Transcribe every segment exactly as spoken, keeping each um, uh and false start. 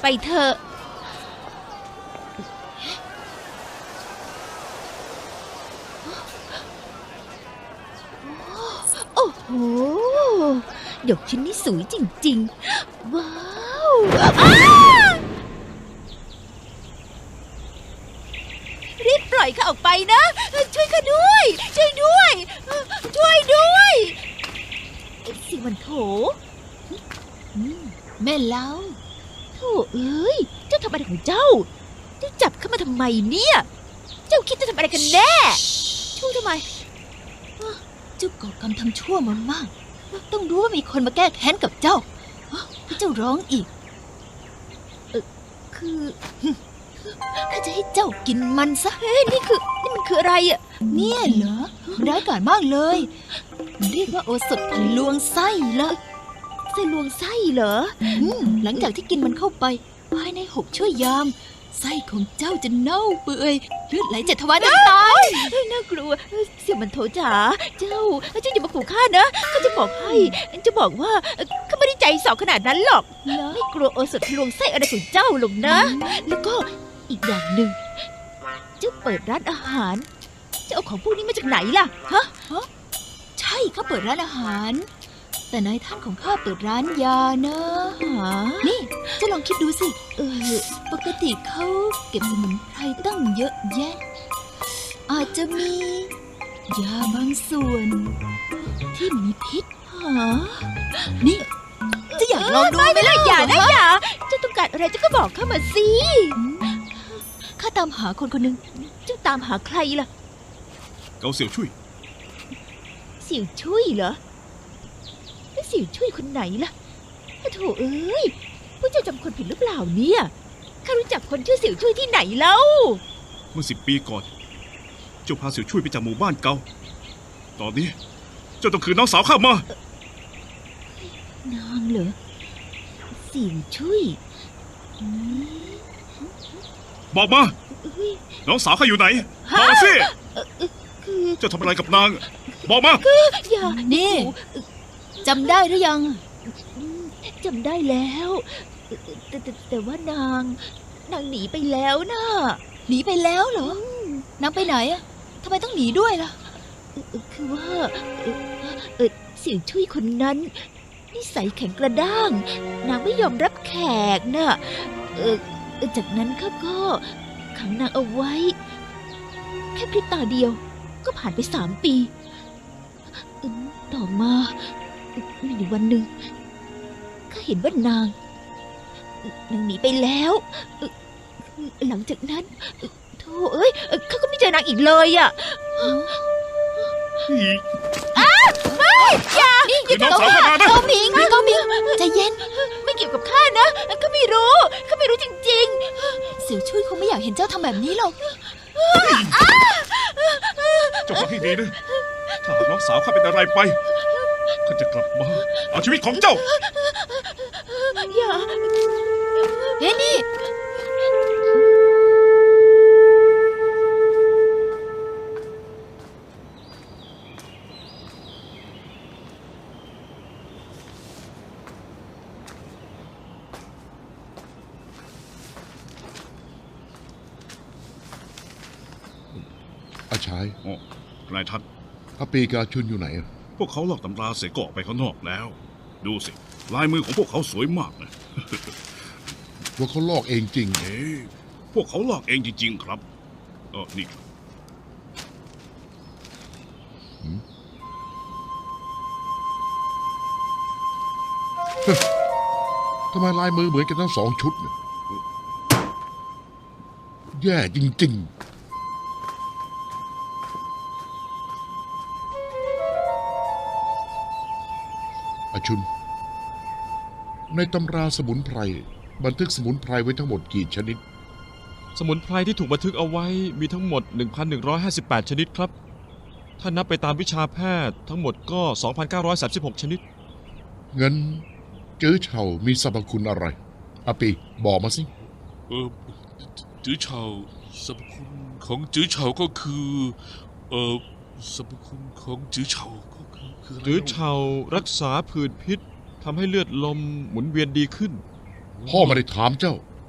ไปเถอะโอ้โหดอกชิ้นนี้สวยจริงๆว้าวรีบปล่อยข้าออกไปนะช่วยข้าด้วยช่วยด้วยช่วยด้วยสิมันโถแม่เล้าโธ่เอ้ยเจ้าทำอะไรของเจ้าเจ้าจับเข้ามาทำไมเนี่ยเจ้าคิดจะทำอะไรกันแน่ช่วยทำไมเจ้าก่อกรรมทำชั่วมามากต้องรู้ว่ามีคนมาแก้แค้นกับเจ้าที่เจ้าร้องอีกเออคือข้าจะให้เจ้ากินมันซะเฮ้ยนี่คือนี่มันคืออะไรอ่ะเนี่ยเหรอร้ายกาจมากเลยมันเรียกว่าโอสถทะลวงไส้เลยไส้ลวงไส้เหรอหลังจากที่กินมันเข้าไปภายในหกชั่วยามไส้ของเจ้าจะเน่าเปื่อยเลือดไหลเจ็ดทวารจะตายน่ากลัวเสี่ยวมันโถจ๋าเจ้าเจ้าอย่ามาขู่ข้านะข้าจะบอกให้จะบอกว่าข้าไม่ได้ใจสอขนาดนั้นหรอกไม่กลัวโอสถทะลวงไส้อะไรของเจ้าหรอกนะแล้วก็อีกอย่างหนึ่งเจ้าเปิดร้านอาหารเจ้าเอาของพวกนี้มาจากไหนล่ะฮะใช่ข้าเปิดร้านอาหารแต่นายท่านของข้าเปิดร้านยานะนี่เจ้าลองคิดดูสิเออปกติเขาเก็บสมุนไพรตั้งเยอะแยะอาจจะมียาบางส่วนที่มีพิษหานี่จะอยากลองดูไหมล่ะอย่านะอย่าเจ้าต้องการอะไรเจ้าก็บอกข้ามาสิข้าตามหาคนคนหนึ่งเจ้าตามหาใครล่ะเกาเสี่ยวชุยเสี่ยวชุยเหรอแล้วเสี่ยวชุยคนไหนล่ะโธ่เอ้ยพวกเจ้าจำคนผิดหรือเปล่าเนี่ยข้ารู้จักคนชื่อเสี่ยวชุยที่ไหนแล้วเมื่อสิบปีก่อนเจ้าพาเสี่ยวชุยไปจากหมู่บ้านเก่าตอนนี้เจ้าต้องคืนน้องสาวข้ามานางเหรอเสี่ยวชุยบอกมาน้องสาวข้าอยู่ไหนบอกมาสิเจ้าทำอะไรกับนางบอกมาอย่านี่จำได้หรือยังจำได้แล้วแต่แต่แต่ว่านางนางหนีไปแล้วนะหนีไปแล้วเหรอนางไปไหนอะทำไมต้องหนีด้วยล่ะคือว่าเออเสี่ยวชุยคนนั้นนิสัยแข็งกระด้างนางไม่ยอมรับแขกน่ะเออจากนั้นข้าก็ขังนางเอาไว้แค่พริบตาเดียวก็ผ่านไปสามปีต่อมามีวันหนึ่งข้าเห็นว่านางนางหนีไปแล้วหลังจากนั้นโธ่เอ้ยข้าก็ไม่เจอนางอีกเลยอ่ะอ้าไม่อย่าอย่าน้องสาวข้านะโกมิงโกมิงใจเย็นไม่เกี่ยวกับข้านะข้าไม่รู้ข้าไม่รู้จริงๆเสี่ยวชุยคงไม่อยากเห็นเจ้าทำแบบนี้หรอกเจ้าฟังให้ดีนะถ้าหากน้องสาวข้าเป็นอะไรไปข้าจะกลับมาเอาชีวิตของเจ้าอย่าเฮ้นี่อาชายอ๋อนายท่านอาปีกาชุนอยู่ไหนพวกเขาลอกตำราเสกออกไปข้างนอกแล้วดูสิลายมือของพวกเขาสวยมากนะพวกเขาลอกเองจริงเอ๊ะพวกเขาลอกเองจริงๆครับเออนี่ครับทำไมลายมือเหมือนกันทั้งสองชุดเนี่ยแย่จริงๆอาชุนในตำราสมุนไพรบันทึกสมุนไพรไว้ทั้งหมดกี่ชนิดสมุนไพรที่ถูกบันทึกเอาไว้มีทั้งหมด หนึ่งพันหนึ่งร้อยห้าสิบแปด ชนิดครับถ้านับไปตามวิชาแพทย์ทั้งหมดก็ สองพันเก้าร้อยสามสิบหก ชนิดเงินจื้อเฉามีสรรพคุณอะไรอาปีบอกมาสิเออจื้อเฉาสรรพคุณของจื้อเฉาก็คือเออสรรพคุณของจื้อเฉาก็คือคือจื้อเฉารักษาผื่นพิษทำให้เลือดลมหมุนเวียนดีขึ้นพ่อไม่ได้ถามเจ้า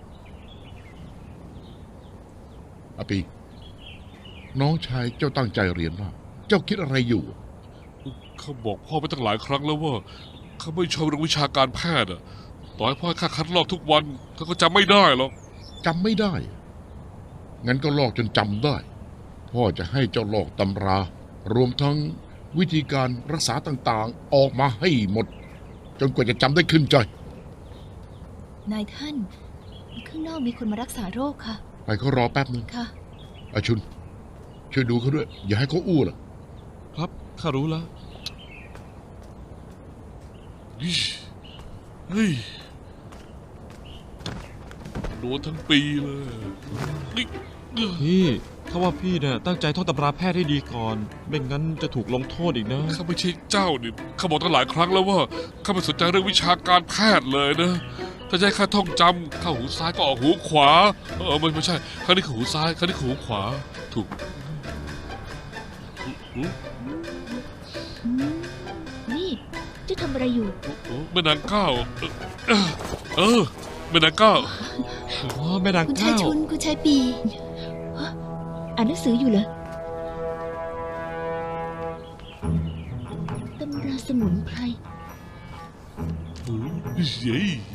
อาปี น้องชายเจ้าตั้งใจเรียนมาก เจ้าคิดอะไรอยู่เขาบอกพ่อไปตั้งหลายครั้งแล้วว่าเขาไม่ชอบเรื่องวิชาการแพทย์อะต่อให้พ่อให้ข้าคัดลอกทุกวันเขาก็จำไม่ได้หรอกจำไม่ได้ งั้นก็ลอกจนจำได้ พ่อจะให้เจ้าลอกตำรา รวมทั้งวิธีการรักษาต่างๆ ออกมาให้หมด จนกว่าจะจำได้ขึ้นใจนายท่าน ข้างนอกมีคนมารักษาโรคค่ะไปเขารอแป๊บนึงค่ะอาชุน ช่วยดูเขาด้วย อย่าให้เขาอู้ล่ะครับข้ารู้แล้วเฮ้ยโดนทั้งปีเลยนี่เอ้อพี่ถ้าว่าพี่เนี่ยตั้งใจท่องตำราแพทย์ให้ดีก่อน ไม่งั้นจะถูกลงโทษอีกนะข้าไม่ใช่เจ้านี่ข้าบอกตั้งหลายครั้งแล้วว่าข้าไม่สนใจเรื่องวิชาการแพทย์เลยนะ ถ้าจะให้ข้าท่องจำข้าหูซ้ายก็ออกหูขวา เออไม่ไม่ใช่ครั้งนี้คือหูซ้ายครั้งนี้คือหูขวา ถูกอืมอืม นี่เจะทำอะไรอยู่โอ้แม่นางเก้าเออเออแม่นางเก้าอ๋อแม่นางคุณชายเก้าชุน คุณชายปีฮะอ่านหนังสืออยู่เหรอ ตำราสมุนไพรโอ้ยเย้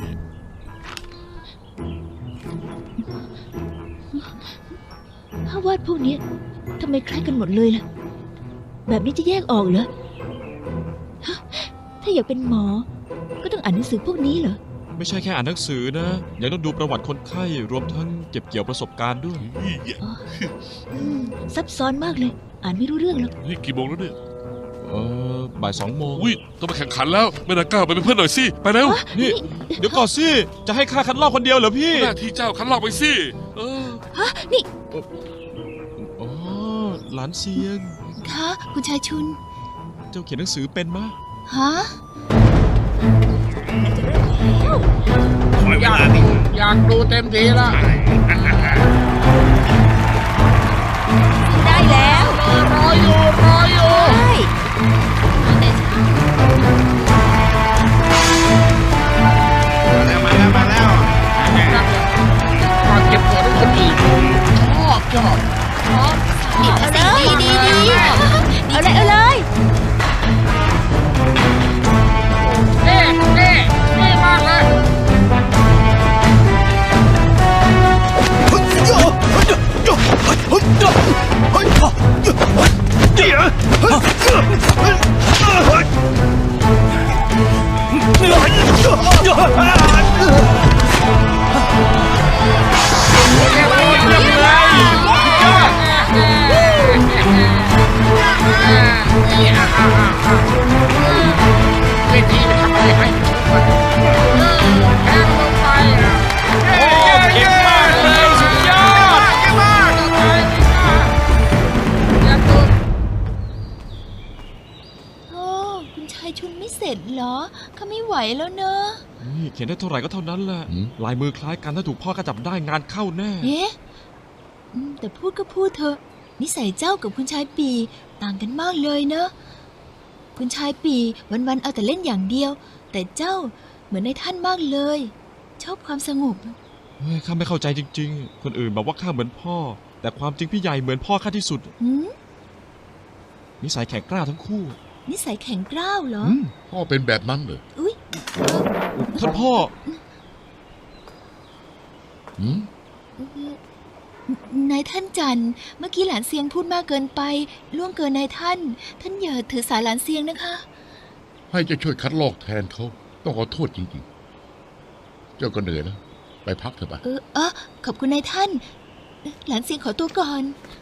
ภาพวาดพวกนี้ทำไมคล้ายกันหมดเลยล่ะ แบบนี้จะแยกออกเหรอฮะถ้าอยากเป็นหมอ ก็ต้องอ่านหนังสือพวกนี้เหรอไม่ใช่แค่อ่านหนังสือนะ ยังต้องดูประวัติคนไข้ รวมทั้งเก็บเกี่ยวประสบการณ์ด้วยอ๋ออืมซับซ้อนมากเลย อ่านไม่รู้เรื่องหรอกนี่กี่โมงแล้วเนี่ยเออบ่ายสองโมงอุ้ยต้องไปแข่งขันแล้วแม่นางเก้าไปเป็นเพื่อนหน่อยสิไปเร็วนี่ เดี๋ยวก่อนสิ จะให้ข้าคัดลอกคนเดียวเหรอพี่หน้าที่เจ้าคันลอกไปสิเออฮะ นี่อ๋อ หลานเสียงคะคุณชายชุนเจ้าเขียนหนังสือเป็นมะฮะขอเวลาดิอยากดูเต็มทีละได้แล้วรออยู่ รออยู่ใช่มาแล้วมาแล้วก่อนเก็บตัวของคนอื่นชอบชอบเอาเลยดีดีดีเอาเลยเอาเลยเน่เน่เน่มากเลย เวทีไปทำอะไรให้ทุกคนแทงลงไปอ่ะเก่งมากเลยสุดยอดเก่งมากอย่าตุ้มโอ้คุณชายชุนไม่เสร็จเหรอเขาไม่ไหวแล้วเนอะนี่เขียนได้เท่าไหร่ก็เท่านั้นแหละ ลายมือคล้ายกันถ้าถูกพ่อก็จับได้งานเข้าแน่เอ๊ะอืมแต่พูดก็พูดเถอะ นิสัยเจ้ากับคุณชายปีต่างกันมากเลยเนอะ คุณชายปีวันๆเอาแต่เล่นอย่างเดียว แต่เจ้าเหมือนในท่านมากเลย ชอบความสงบเฮ้ยข้าไม่เข้าใจจริงๆ คนอื่นบอกว่าข้าเหมือนพ่อ แต่ความจริงพี่ใหญ่เหมือนพ่อข้าที่สุดหืมนิสัยแข็งกล้าทั้งคู่นิสัยแข็งกร้าวเหรออืมพ่อเป็นแบบนั้นเหรออุ้ยเออท่านพ่อหืมเออนายท่านจันทร์เมื่อกี้หลานเซียงพูดมากเกินไป ล่วงเกินนายท่าน ท่านอย่าถือสาหลานเซียงนะคะให้เจะช่วยคัดลอกแทนเขา ต้องขอโทษจริงๆ เจ้าก็เหนื่อยนะ ไปพักเถอะไปเออเออขอบคุณนายท่าน หลานเซียงขอตัวก่อน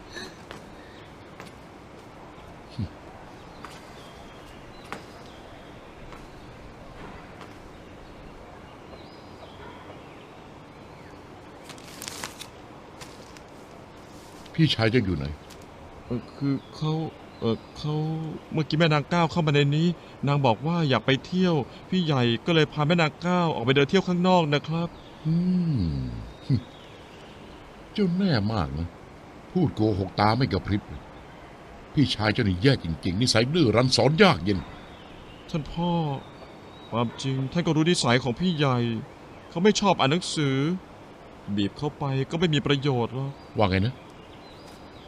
พี่ชายเจะอยู่ไหนเออคือเขาเออเขาเมื่อกี้แม่นางก้าวเข้ามาในนี้ นางบอกว่าอยากไปเที่ยว พี่ใหญ่ก็เลยพาแม่นางก้าวออกไปเดินเที่ยวข้างนอกนะครับอืม เจ้าแน่มากนะ พูดโกหกตาไม่กระพริบเลยพี่ชายเจ้านี่แย่จริงๆ นิสัยดื้อรั้นสอนยากเย็นท่านพ่อ ความจริงท่านก็รู้นิสัยของพี่ใหญ่ เขาไม่ชอบอ่านหนังสือ บีบเข้าไปก็ไม่มีประโยชน์หรอกว่าไงนะ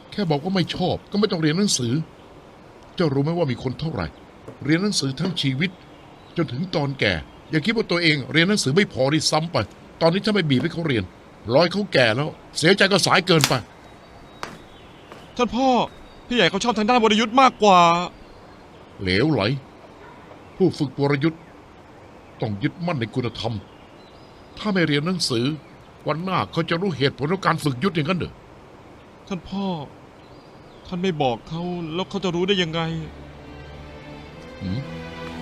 แค่บอกว่าไม่ชอบก็ไม่ต้องเรียนหนังสือ เจ้ารู้ไหมว่ามีคนเท่าไหร่ เรียนหนังสือทั้งชีวิต จนถึงตอนแก่ อย่าคิดว่าตัวเองเรียนหนังสือไม่พอที่ซ้ำไป ตอนนี้ถ้าไม่บีบให้เขาเรียนร้อยเขาแก่แล้ว เสียใจก็สายเกินไปท่านพ่อ พี่ใหญ่เขาชอบทางด้านวรยุทธ์มากกว่าเหลวไหล ผู้ฝึกวรยุทธ์ต้องยึดมั่นในคุณธรรม ถ้าไม่เรียนหนังสือ วันหน้าเขาจะรู้เหตุผลของการฝึกยุทธอย่างนั้นเหรอท่านพ่อ ท่านไม่บอกเขาแล้วเขาจะรู้ได้ยังไงหืม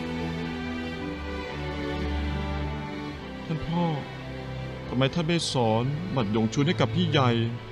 ท่านพ่อทำไมท่านไม่สอนหมัดหยงชุนให้กับพี่ใหญ่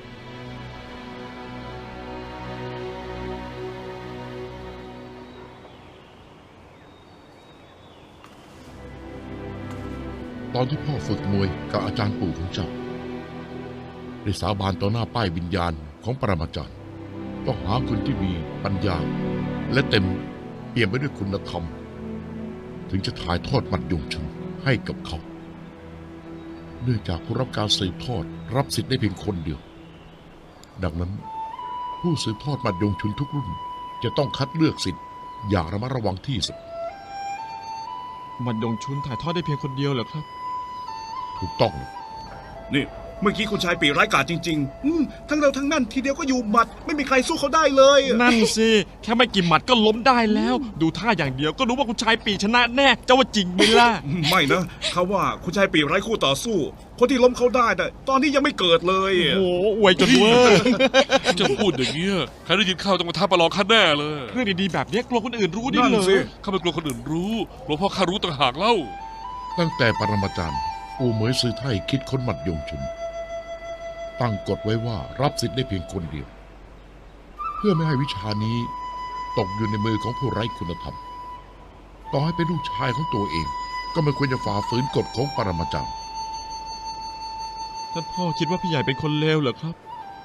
ตอนที่พ่อฝึกมวยกับอาจารย์ปู่ของเจ้าได้สาบานต่อหน้าป้ายวิญญาณของปรมาจารย์ต้องหาคนที่มีปัญญา และเต็มเปี่ยมไปด้วยคุณธรรม ถึงจะถ่ายทอดหมัดยงชุนให้กับเขา เนื่องจากผู้รับการสืบทอดรับสิทธิ์ได้เพียงคนเดียว ดังนั้นผู้สืบทอดหมัดยงชุนทุกรุ่นจะต้องคัดเลือกสิทธิ์อย่างระมัดระวังที่สุดหมัดหยงชุนถ่ายทอดได้เพียงคนเดียวเหรอครับถูกต้องเลยนี่เมื่อกี้คุณชายปีร้ายกาจจริงๆอืมทั้งเราทั้งนั่นทีเดียวก็อยู่หมัด ไม่มีใครสู้เขาได้เลยนั่นสิ แค่ไม่กี่หมัดก็ล้มได้แล้ว ดูท่าอย่างเดียวก็รู้ว่าคุณชายปีชนะแน่ เจ้าว่าจริงไหมล่ะไม่นะเขาว่าคุณชายปีไร้คู่ต่อสู้ คนที่ล้มเขาได้น่ะตอนนี้ยังไม่เกิดเลยโอ้โหอวยจนเวอร์จะพูดอย่างเงี้ยใครได้ยินเข้าต้องมาท้าประลองข้าแน่เลยเรื่องดีๆแบบนี้กลัวคนอื่นรู้ดินั่นเหรอสิข้าไม่กลัวคนอื่นรู้กลัวพ่อข้ารู้ต่างหากเล่าตั้งแต่ปรมาจารย์อูเหมยซือไทยคิดค้นหมัดยงชุน ตั้งกฎไว้ว่ารับสิทธิ์ได้เพียงคนเดียว เพื่อไม่ให้วิชานี้ตกอยู่ในมือของผู้ไร้คุณธรรม ต่อให้เป็นลูกชายของตัวเอง ก็ไม่ควรจะฝ่าฝืนกฎของปรมาจารย์ท่านพ่อคิดว่าพี่ใหญ่เป็นคนเลวเหรอครับ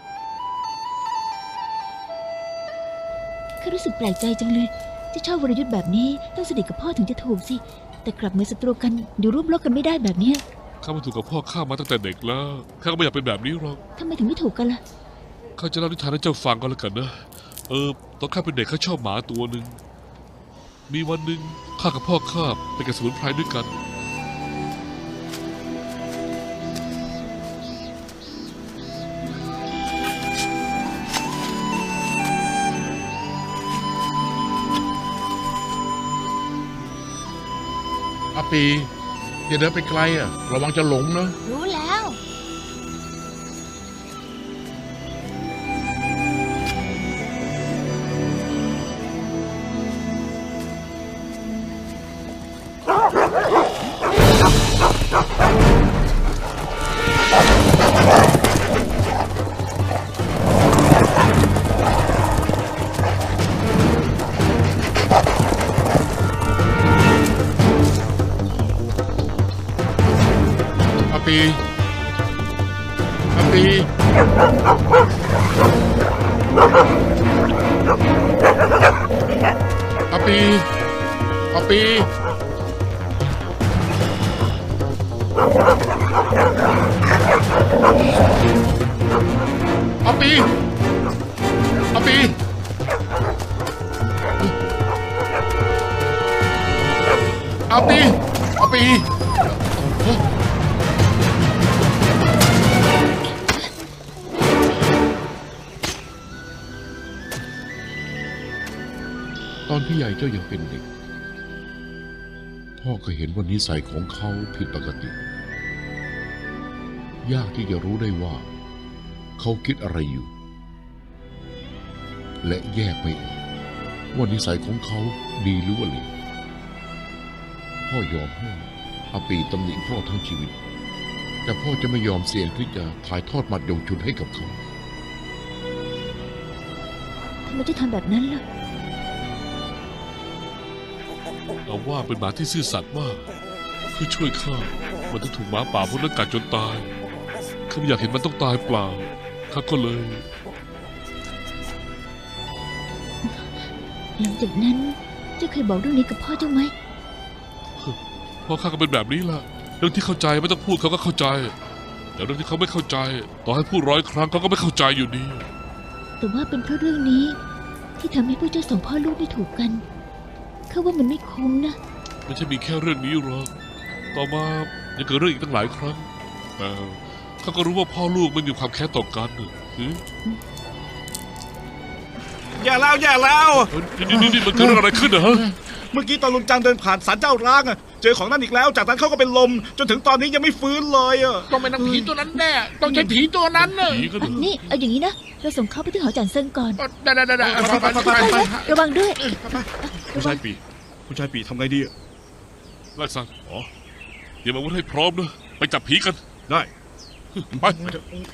ข้ารู้สึกแปลกใจจังเลยที่ชอบวรยุทธ์แบบนี้ต้องสนิทกับพ่อถึงจะถูกสิ แต่กลับเหมือนศัตรูกันอยู่ร่วมรบกันไม่ได้แบบเนี้ยข้ามาถูกกับพ่อข้ามาตั้งแต่เด็กแล้วข้าก็ไม่อยากเป็นแบบนี้หรอกทำไมถึงไม่ถูกกันล่ะข้าจะเล่านิทานให้เจ้าฟังก็แล้วกันนะเออตอนข้าเป็นเด็กข้าชอบหมาตัวหนึ่งมีวันหนึ่งข้ากับพ่อข้าไปกับสมุนไพรด้วยกันอาปีอย่าเดินไปไกลอ่ะ ระวังจะหลงนะรู้แล้วอาปีอาปีอาปีอาปีอาปีอาปีอาปีอาปี ตอนพี่ใหญ่เจ้ายังเป็นเด็ก พ่อก็เห็นว่านิสัยของเขาผิดปกติ ยากที่จะรู้ได้ว่า เขาคิดอะไรอยู่ และแยกไม่ออกว่านิสัยของเขาดีหรือว่าเลวพ่อยอมให้อาปีตำหนิพ่อทั้งชีวิต แต่พ่อจะไม่ยอมเสี่ยงที่จะถ่ายทอดหมัดยงชุนให้กับเขาทำไมจะทำแบบนั้นล่ะเอาว่าเป็นหมาที่ซื่อสัตย์มากเพื่อช่วยข้ามันต้องถูกหมาป่าพวกนั้นกัดจนตายข้าไม่อยากเห็นมันต้องตายเปล่าข้าก็เลยหลังจากนั้นเจ้าเคยบอกเรื่องนี้กับพ่อเจ้าไหมพ่อข้าก็เป็นแบบนี้ล่ะเรื่องที่เข้าใจไม่ต้องพูดเขาก็เข้าใจ แต่เรื่องที่เขาไม่เข้าใจ ต่อให้พูดร้อยครั้งเขาก็ไม่เข้าใจอยู่ดีแต่ว่าเป็นเพราะเรื่องนี้ ที่ทำให้พวกเจ้าสองพ่อลูกไม่ถูกกันข้าว่ามันไม่คุ้มนะไม่ใช่มีแค่เรื่องนี้หรอกต่อมายังเกิดเรื่องอีกตั้งหลายครั้งแต่ข้าก็รู้ว่าพ่อลูกไม่มีความแค้นต่อกันน่ะหืออย่าแล้วอย่าแล้วเอ้ยนี่นี่นี่มันเกิดเรื่องอะไรขึ้นเหรอเมื่อกี้ตอนลุงจังเดินผ่านศาลเจ้าร้างอะเจอของนั่นอีกแล้ว จากนั้นเขาก็เป็นลม จนถึงตอนนี้ยังไม่ฟื้นเลยอะต้องเป็นนางผีตัวนั้นแน่ ต้องใช่ผีตัวนั้นน่ะผีก็เหรอนี่เอาอย่างนี้นะเราส่งเขาไปที่หอจันเซิงก่อนได้ได้ได้ได้ไปไปไปไประวังด้วยคุณชายปีคุณชายปีทำไงดีอะไล่ซันอ๋อเตรียมอาวุธให้พร้อมนะไปจับผีกันได้ไปไป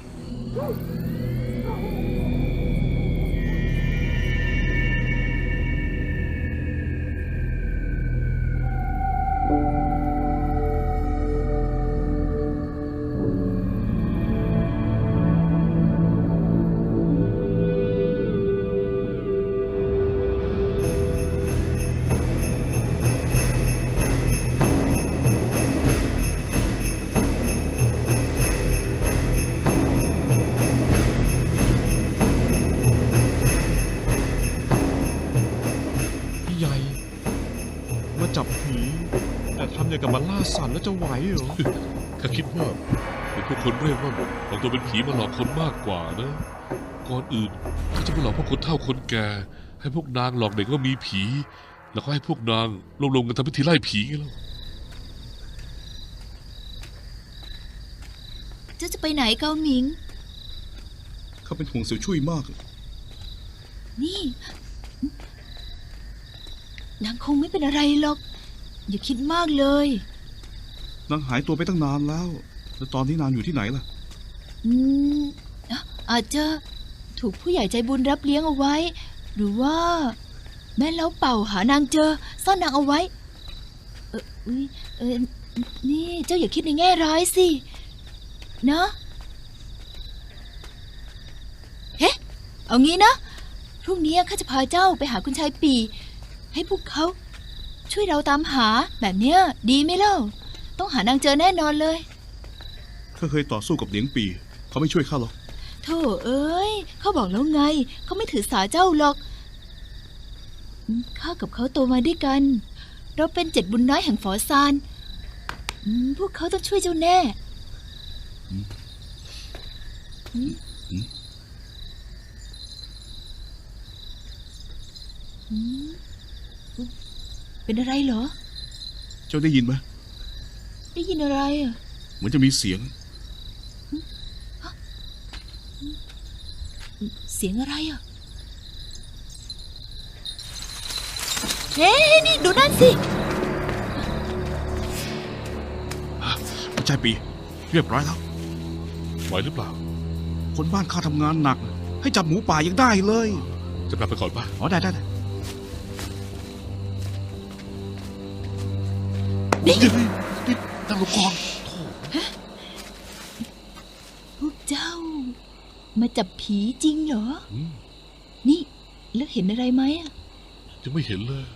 พี่ใหญ่มาจับผีแต่ทำอย่างกับมาล่าสัตว์แล้วจะไหวเหรอข้าคิดว่าเป็นพวกคนเร่ร่อนหลอกตัวเป็นผีมาหลอกคนมากกว่านะ ก่อนอื่นข้าจะไปหลอกพวกคนเฒ่าคนแก่ ให้พวกนางหลอกเด็กว่ามีผี แล้วก็ให้พวกนางรวมๆกันทำพิธีไล่ผีไงล่ะเจ้าจะไปไหนเกาหมิงเขาเป็นห่วงเสี่ยวช่วยมากนี่ นางคงไม่เป็นอะไรหรอก อย่าคิดมากเลยนางหายตัวไปตั้งนานแล้ว แล้วตอนนี้นางอยู่ที่ไหนล่ะอืมอ่ะอาจจะถูกผู้ใหญ่ใจบุญรับเลี้ยงเอาไว้ หรือว่า แม่เล้าเป่าหานางเจอ ซ่อนนางเอาไว้ เอออุ๊ยเออนี่เจ้าอย่าคิดในแง่ร้ายสินะเฮ้เอางี้นะ พรุ่งนี้ข้าจะพาเจ้าไปหาคุณชายปี ให้พวกเขาช่วยเราตามหาแบบเนี้ยดีไหมเล่า ต้องหานางเจอแน่นอนเลยข้าเคยต่อสู้กับเหลียงปี เขาไม่ช่วยข้าหรอกโธ่เอ้ยเขาบอกแล้วไง เขาไม่ถือสาเจ้าหรอกอืมข้ากับเขาโตมาด้วยกัน เราเป็นเจ็ดบุญน้อยแห่งฝอซานอืมพวกเขาต้องช่วยเจ้าแน่อืมอืมเป็นอะไรเหรอเจ้าได้ยินไหมได้ยินอะไรอ่ะเหมือนจะมีเสียงเสียงอะไรอ่ะ เฮ้ยนี่ดูนั่นสิคุณชายปี เรียบร้อยแล้วไหวหรือเปล่าคนบ้านข้าทำงานหนัก ให้จับหมูป่ายังได้เลยจะกลับไปก่อนป่ะอ๋อได้ได้ได้นี่นี่ตั้งลงก่อนพวกเจ้า มาจับผีจริงเหรออืมนี่ แล้วเห็นอะไรไหมอ่ะยังไม่เห็นเลย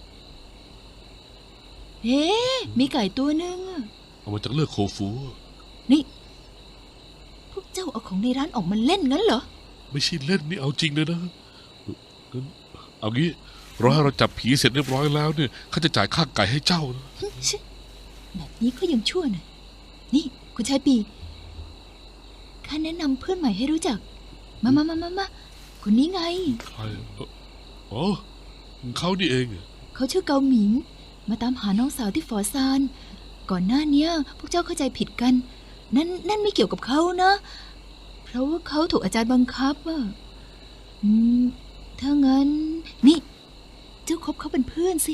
เฮ้มีไก่ตัวหนึงอะเอามาจากเลือกโคฟูนี่ พวกเจ้าเอาของในร้านออกมาเล่นงั้นเหรอไม่ใช่เล่นนี่เอาจริงเลยนะงั้นเอางี้รอให้เราจับผีเสร็จเรียบร้อยแล้วเนี่ยข้าจะจ่ายค่าไก่ให้เจ้านะชิแบบนี้ก็ยังชั่วหน่อยนี่ คุณชายปีข้าแนะนำเพื่อนใหม่ให้รู้จัก มามามามามาคนนี้ไงใครเอ่ออ๋อเขานี่เองเขาชื่อเกาหมิง มาตามหาน้องสาวที่ฝอซาน ก่อนหน้าเนี้ย พวกเจ้าเข้าใจผิดกัน นั่นนั่นไม่เกี่ยวกับเขานะ เพราะว่าเขาถูกอาจารย์บังคับอะอืม ถ้างั้น นี่ เจ้าคบเขาเป็นเพื่อนสิ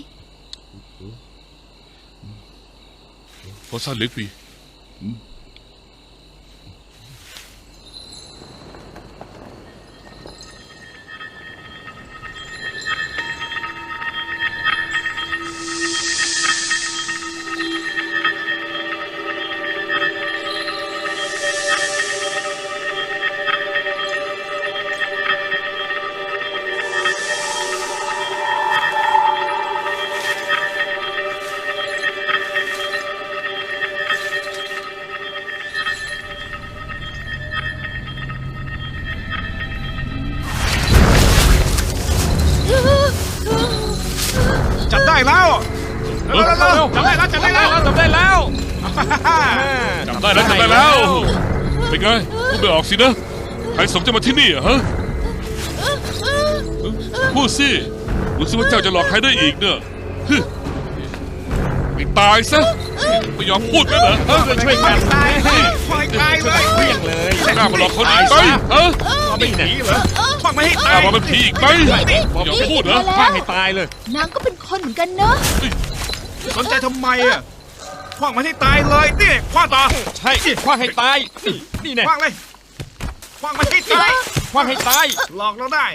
พอสั้นเล็กปีเร็วจับได้แล้วจับได้แล้วจำได้แล้วจำได้แล้วจำได้แล้ว เป็นไงพูดไม่ออกสินะ ใครสมจะมาที่นี่อะฮะ พูดสิรู้สึกว่าเจ้าจะหลอกใครได้อีกเนี่ยฮึไม่ตายซะ ไม่ยอมพูดกันเหรอฮะช่วยกันตายคอยตายเลยเพียงเลยกล้ามาหลอกเขาอีกไหมฮะไม่หนีเหรอคว้างไม่ให้กตาล้าย มาเป็นผีอีกไหมไม่ยอมพูดเหรอฆ่าให้ตายเลยนางก็เป็นคนเหมือนกันเนอะสนใจทำไมอ่ะคว้างมันให้ตายเลยนี่คว้างต่อใช่คว้างให้ตาย นี่นี่แน่คว้างเลยคว้างมันให้ตายคว้างให้ตายหลอกเราได้